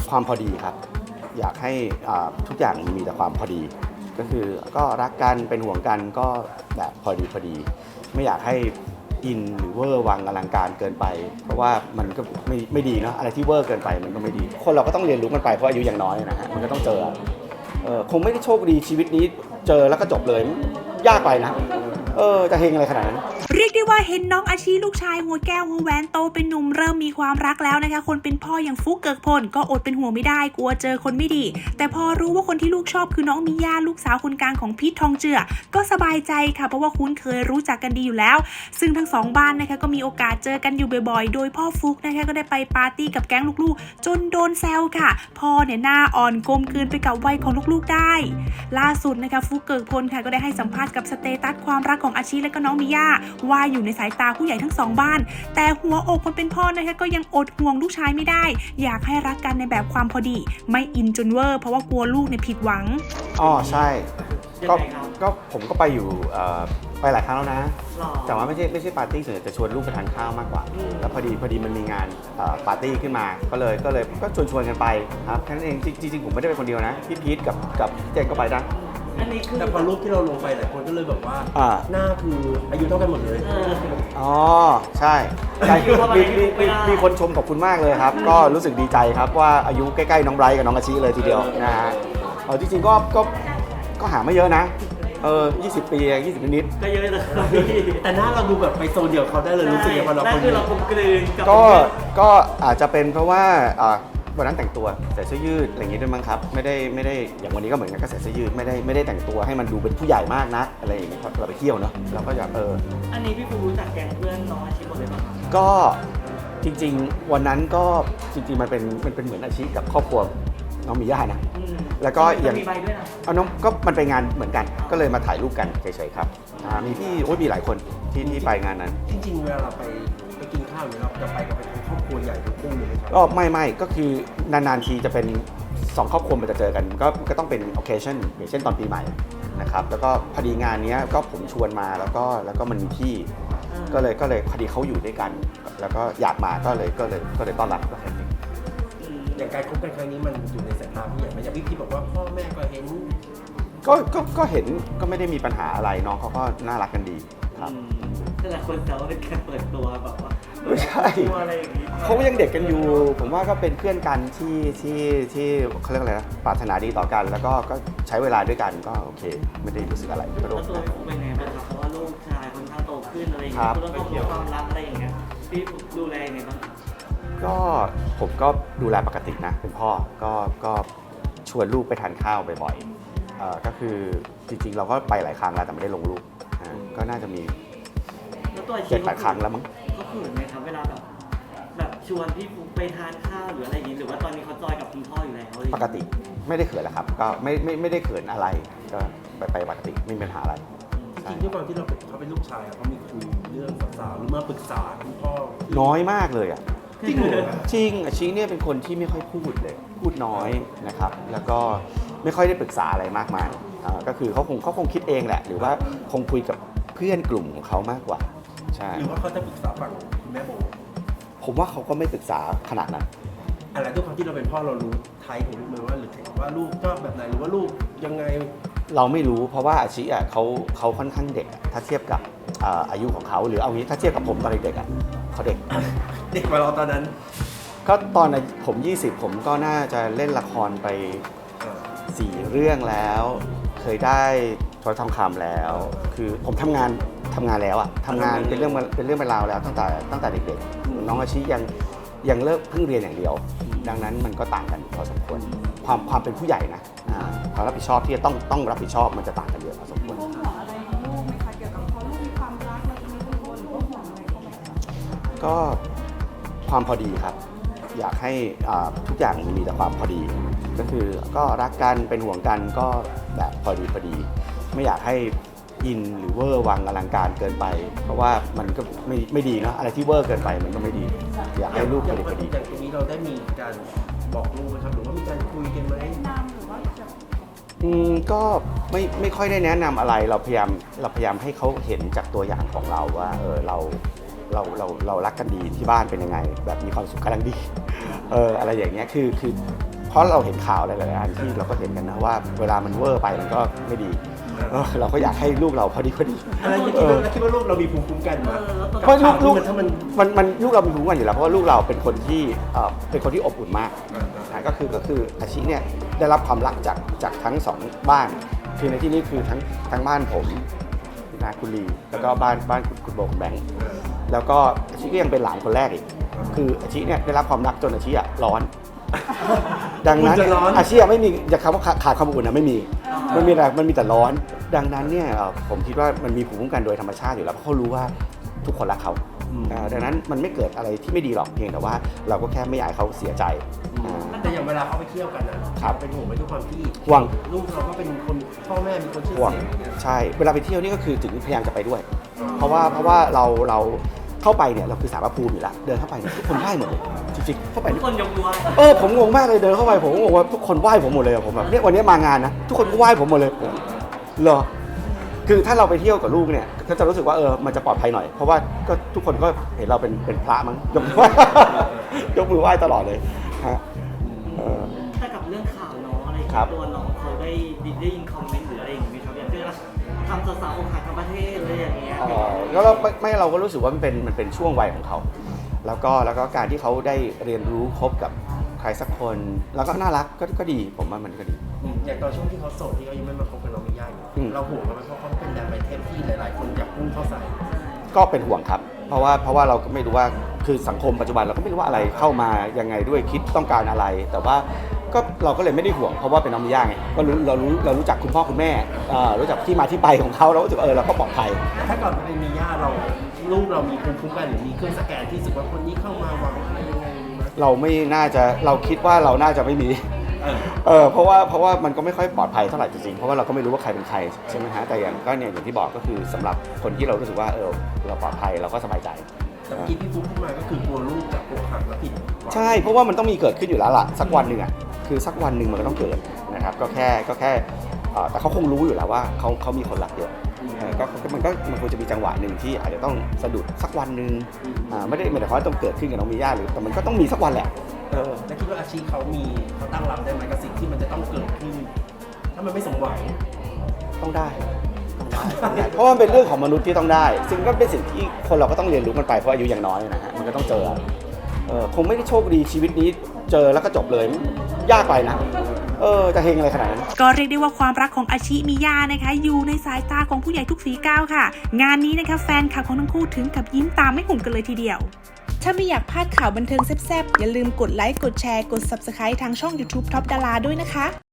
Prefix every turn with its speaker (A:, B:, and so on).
A: ความพอดีครับอยากให้ทุกอย่างมีแต่ความพอดีก็คือก็รักกันเป็นห่วงกันก็แบบพอดีไม่อยากให้อินหรือเวอร์วังอลังการเกินไปเพราะว่ามันก็ไม่ดีเนาะอะไรที่เวอร์เกินไปมันก็ไม่ดีคนเราก็ต้องเรียนรู้มันไปเพราะอายุยังน้อยนะฮะมันก็ต้องเจอคงไม่ได้โชคดีชีวิตนี้เจอแล้วก็จบเลยยากไปนะจะเฮงอะไรขนาดนั้น
B: เรียกได้ว่าเห็นน้องอาชีลูกชายหัวแก้วหัวแหวนโตเป็นหนุ่มเริ่มมีความรักแล้วนะคะคนเป็นพ่ออย่างฟุกเกิกพลก็อดเป็นห่วงไม่ได้กลัวเจอคนไม่ดีแต่พอรู้ว่าคนที่ลูกชอบคือน้องมิย่าลูกสาวคนกลางของพีททองเจือก็สบายใจค่ะเพราะว่าคุ้นเคยรู้จักกันดีอยู่แล้วซึ่งทั้งสองบ้านนะคะก็มีโอกาสเจอกันอยู่บ่อยๆโดยพ่อฟุกนะคะก็ได้ไปปาร์ตี้กับแก๊งลูกๆจนโดนแซวค่ะพ่อเนี่ยหน้าอ่อนกลมกลืนไปกับวัยของลูกๆได้ล่าสุดนะคะฟุกเกิกพลค่ะก็ได้ให้สัมภาษณ์กับสเตตัสความรักของอาชีและก็น้องมิย่าว่าอยู่ในสายตาผู้ใหญ่ทั้งสองบ้านแต่หัวอกคนเป็นพ่อนะคะก็ยังอดห่วงลูกชายไม่ได้อยากให้รักกันในแบบความพอดีไม่อินจนเวอร์เพราะว่ากลัวลูกเนี่ยผิดหวัง
A: ใช่ก็ผมก็ไปอยู่ไปหลายครั้งแล้วนะแต่ว่าไม่ใช่ปาร์ตี้ส่วนใหญ่จะชวนลูกไปทานข้าวมากกว่าแล้วพอดีมันมีงานปาร์ตี้ขึ้นมาก็เลยก็ชวนกันไปครับแค่นั้นเองจริงผมไม่ได้ไปคนเดียวนะพี่พีทกับเจนก็ไปนะ
C: แต่พอรูปที่เราลงไปหลายคนก็เลยแบบว่าหน้าคืออายุเท่ากันหมดเลย
A: ใช่มีคนชมขอบคุณมากเลยครับก็รู้สึกดีใจครับว่าอายุใกล้ๆน้องไบรท์กับน้องอาชิเลยทีเดียวนะฮะจริงๆก็หาไม่เยอะนะ20 ปี20 นิด
C: ก็เยอะเลยแต่หน้าเราดูแบบไปโซนเดียวเขาได้เลยรู้สึกอย่างพอเราคนเราคมกลืน
A: ก็อาจจะเป็นเพราะว่าวันนั้นแต่งตัวใส่เสื้อยืดอะไรอย่างงี้ด้วยมั้งครับไม่ได้อย่างวันนี้ก็เหมือนกันก็ใส่เสื้อยืดไม่ได้แต่งตัวให้มันดูเป็นผู้ใหญ่มากนะอะไรอย่างเงี้ยเราไปเที่ยวเนาะเราก็อยาก
C: อันนี้พี่ปูรู้จักแก๊งเพื่อนน้องอาชีพหมดเลยป่ะ
A: ก็จริงๆวันนั้นก็จริงๆมันเป็นเหมือนอาชีพกับครอบครัวน้องมิย่านะแล้วก็
C: อย่างมีใบด้วยนะ
A: น้องก็มันไปงานเหมือนกันก็เลยมาถ่ายรูปกันเฉยๆครับมีพี่มีหลายคนที่ไปงานนั้น
C: จริงๆเวลาเราไปกินข้าวหรือเราจะไปกับครอบครัวใหญ่ทุกคู่เลยครับ
A: ก็ไม่ก็คือนานๆทีจะเป็น2ครอบครัวมันจะเจอกันก็ต้องเป็น occasion อย่างเช่นตอนปีใหม่นะครับแล้วก็พอดีงานนี้ก็ผมชวนมาแล้วก็มันมีที่ก็เลยพอดีเขาอยู่ด้วยกันแล้วก็อยากมาก็เลยต้อนรับแล้ว
C: อย่างการคบกันครั้งนี้มันอยู่ในสายตาผู้ใหญ่ไหมอย่างพี่บอกว่าพ่อแม่ก็เห็น
A: ก็เห็นก็ไม่ได้มีปัญหาอะไรน้องเขาก็น่ารักกันดีครับ
C: แต่หลายคนแซวว่าเป็นการเปิดตัวแบบว่า
A: ไม่ใช่เขายังเด็กกันอยู่ผมว่าก็เป็นเพื่อนกันที่เขาเรียกอะไรนะปรารถนาดีต่อกันแล้วก็ใช้เวลาด้วยกันก็โอเคไม่ได้รู้สึกอะไร
C: ก็ตัวผมเป็นไงบ้างครับเพราะว่าลูกชายค่อนข้างโตขึ้นอะไรอย่างเงี้ยต้องมีความรักอะไรอย่างเงี้ยพี่ดูแลยังไงบ้าง
A: ก็ผมก็ดูแลปกตินะเป็นพ่อก็ชวนลูกไปทานข้าวบ่อยๆก็คือจริงๆเราก็ไปหลายครั้งแล้วแต่ไม่ได้ลงรูปก็น่าจะมี7-8 ครั้งแล้วมั้ง
C: เขาเขินไหมครับเวลาแบบชวนพี่ฟุ๊กไปทานข้าวหรืออะไรอย่างนี้หรือว่าตอนนี้เขาจอยกับคุณพ่ออยู่แล้ว
A: ปกติไม่ได้เขินแล้วครับก็ไม่ได้เขินอะไรก็ไปปกติไม่มีปัญหาอะไร
C: จริงๆด้วยความที่เขาเป็นลูกชายเขามีคุยเรื่องสาวๆหรือมาปรึกษาคุณพ่อ
A: น้อยมากเลยจริงอาชีเนี่ยเป็นคนที่ไม่ค่อยพูดเลยพูดน้อยนะครับแล้วก็ไม่ค่อยได้ปรึกษาอะไรมากมายก็คือเขาคงคิดเองแหละหรือว่าคงคุยกับเพื่อนกลุ่มของเขามากกว่าใช่
C: หรือว่าเขาจะปรึกษาฝั่งคุณแม่โบ
A: ผมว่าเขาก็ไม่ปรึกษาขนาดนั้น
C: อะไรด้วยความที่เราเป็นพ่อเรารู้ไทป์ของลูกไหมว่าหรือว่าลูกชอบแบบไหนหรือว่าลูกยังไง
A: เราไม่รู้เพราะว่าอาชีเขาค่อนข้างเด็กถ้าเทียบกับอายุของเขาหรือเอางี้ถ้าเทียบกับผมตอนเด็กเขาเด็ก
C: กว่าเราตอนนั้น
A: ก็ตอนผม20ผมก็น่าจะเล่นละครไป4 เรื่องแล้วเคยได้โทรทองคำแล้วคือผมทำงานแล้วทำงานเป็นเรื่องเป็นราวแล้วตั้งแต่เด็กๆน้องอาชียังเลิกเพิ่งเรียนอย่างเดียวดังนั้นมันก็ต่างกันพอสมควรความเป็นผู้ใหญ่นะความรับผิดชอบที่จะต้องรับผิดชอบมันจะต่างกันเยอะพอสมควร
D: ห่วงอะไรของลูกไหมคะเกี่ยวกับเขาลูกมีความรักอะไรมีคุณพ่อหรือว่าห่วงอะไรเขาไหมคะ
A: ก็ความพอดีครับอยากให้ทุกอย่างมีแต่ความพอดีก็คือก็รักกันเป็นห่วงกันก็แบบพอดีไม่อยากให้อินหรือเวอร์วังอลังการเกินไปเพราะว่ามันก็ไม่ดีเนาะอะไรที่เวอร์เกินไปมันก็ไม่ดีอยากให้ลูกพอดี
C: อย่างตรงนี้เราได้มีการบอกลูกนะครับหรือว่ามีการคุยกันไหม
D: แนะนำหรือว่า
A: ก็ไม่ค่อยได้แนะนำอะไรเราพยายามให้เขาเห็นจากตัวอย่างของเราว่าเรารักกันดีที่บ้านเป็นยังไงแบบมีความสุขกำลังดีอะไรอย่างเงี้ยคือเพราะเราเห็นข่าวหลายๆอันที่เราก็เห็นกันนะว่าเวลามันเวอร์ไปมันก็ไม่ดีเราก็อยากให้ลูกเราพอดี
E: อะไรคิดว่าลูกเรามีภูมิคุ้มกันมา
A: เพราะลูก
E: ถ้ามัน
A: ลูกเรามีภูมิคุ้มกันอยู่แล้วเพราะว่าลูกเราเป็นคนที่อบอุ่นมากก็คืออาชีเนี่ยได้รับความรักจากทั้งสองบ้านคือในที่นี้คือทั้งบ้านผมนะคุณลีแล้วก็บ้านคุณโบคุณแบงค์แล้วก็อาชีก็ยังเป็นหลานคนแรกอีกคืออาชีเนี่ยได้รับความรักจนอาชีร้อน ดังนั้นอาชีพไม่มีอย่าคำว่าขาดความอุ่นนะไม่มีมันมีแต่ร้อน ดังนั้นเนี่ยผมคิดว่ามันมีภูมิคุ้มกันโดยธรรมชาติอยู่แล้วเพราะเขารู้ว่าทุกคนรักเขาดังนั้นมันไม่เกิดอะไรที่ไม่ดีหรอกเพียงแต่ว่าเราก็แค่ไม่อยากให้เขาเสียใจ
E: แต่อย่างเวลาเขาไปเที่ยวกันนะครับเป็นห่วงไหมทุกความที่
A: ห่วง
E: ลูกเราก็เป็นคนพ่อแม่มีคนชื่อ
A: ห่วง
E: เสียง
A: ใช่เวลาไปเที่ยวนี่ก็คือถึงพยายามจะไปด้วย เพราะว่าเราเข้าไปเนี่ยเราคือสารพระภูมิอยู่แล้วเดินเข้าไปเนี่ยทุกคนไหว้หมดเลยจริงๆเข้าไป
C: ทุกคนยกมือไหว้
A: ผมงงมากเลยเดินเข้าไปผมงงว่าทุกคนไหว้ผมหมดเลยผมแบบเนี่ยวันนี้มางานนะทุกคนก็ไหว้ผมหมดเลยเหรอคือถ้าเราไปเที่ยวกับลูกเนี่ยก็จะรู้สึกว่ามันจะปลอดภัยหน่อยเพราะว่าก็ทุกคนก็เห็นเราเป็นพระมั้งยกมือไหว้ ยกมือไหว้ตลอดเลยฮะ
C: ถ้ากับเรื่องข่าวน้องอะไรอย่าง
A: ครั
C: เงี้
A: บ
C: ยตัวน้องเขาได้ยินคอมเมนต์หรืออะไรอย่างงี้ไหมครับอย่างเช่นทำสาวๆอกหักทั้งประเทศอะไรอย่างเงี้ย
A: แล้วเราก็รู้สึกว่ามันเป็นช่วงวัยของเขาแล้วก็การที่เขาได้เรียนรู้คบกับใครสักคนแล้วก็น่ารักก็ดีผมว่ามันก็ดี
E: อย่างตอนช่วงที่เขาโสดที่เขายังไม่มาคบกับน้องมิย่าอยู่เราห่วงเขาไหมเพราะเขาเป็นแดนไอเทมที่หลายๆคนอยากพุ่งเข้าใส่
A: ก็เป็นห่วงครับเพราะว่าเราก็ไม่รู้ว่าคือสังคมปัจจุบันเราก็ไม่รู้ว่าอะไรเข้ามายังไงด้วยคิดต้องการอะไร แต่ว่าเราก็เลยไม่ได้ห่วงเพราะว่าเป็นน้องมิย่าไงก็เรารู้จักคุณพ่อคุณแม่รู้จักที่มาที่ไปของเขาเราก็รู้สึกเราก็ปลอดภัย
E: ถ้าก่อนเป็นมิย่าลูกเรามีภูมิคุ้มกันหรือมีเครื่องสแกนที่รู้สึกว่าคนนี้เข้ามาหวังอะไรยังไงไหม
A: เราคิดว่าเราน่าจะไม่มีเพราะว่ามันก็ไม่ค่อยปลอดภัยเท่าไหร่จริงๆเพราะว่าเราก็ไม่รู้ว่าใครเป็นใครใช่ไหมฮะแต่อย่างที่บอกก็คือสำหรับคนที่เรารู้สึกว่าเราปลอดภัยเราก็สบายใจ
E: แต่เมื่อกี้พี่ฟุ๊กพูดมาก็คือกลัวลูกจะอกหักและผิด
A: ใช่เพราะว่ามันต้องมีเกิดขึ้นอยู่แล้วล่ะสักวันหนึ่งคือสักวันหนึ่งมันก็ต้องเกิดนะครับก็แค่แต่เขาคงรู้อยู่แล้วว่าเขามีคนรักเยอะมันควรจะมีจังหวะหนึ่งที่อาจจะต้องสะดุดสักวันหนึ่งไม่ได้หมายถึงว่าต้องเกิดขึ้นกับน้องมิย่าหรือแต่มันก็ต้องมีสักวันแหละ
E: แล้วคิดว่าอาชีพเขาตั้งรับได้ไหมกับสิ่งที่มันจะต้องเกิดขึ้นถ้ามันไม่สมหวัง
A: ต้องได้เพราะว่ามันเป็นเรื่องของมนุษย์ที่ต้องได้ซึ่งก็เป็นสิ่งที่คนเราก็ต้องเรียนรู้กันไปเพราะอายุยังน้อยนะฮะมันก็ต้องเจอคงไม่ได้โชคดีชีวิตนี้เจอแล้วก็จบเลยยากไปนะจะเฮงอะไรขนาดนั้น
B: ก็เรียกได้ว่าความรักของอาชิมิยานะคะอยู่ในสายตาของผู้ใหญ่ทุกฝีก้าวค่ะงานนี้นะคะแฟนคลับของทั้งคู่ถึงกับยิ้มตามไม่หุบกันเลยทีเดียวถ้าไม่อยากพลาดข่าวบันเทิงแซ่บๆอย่าลืมกดไลค์กดแชร์กด Subscribe ทางช่อง YouTube Top Dara ด้วยนะคะ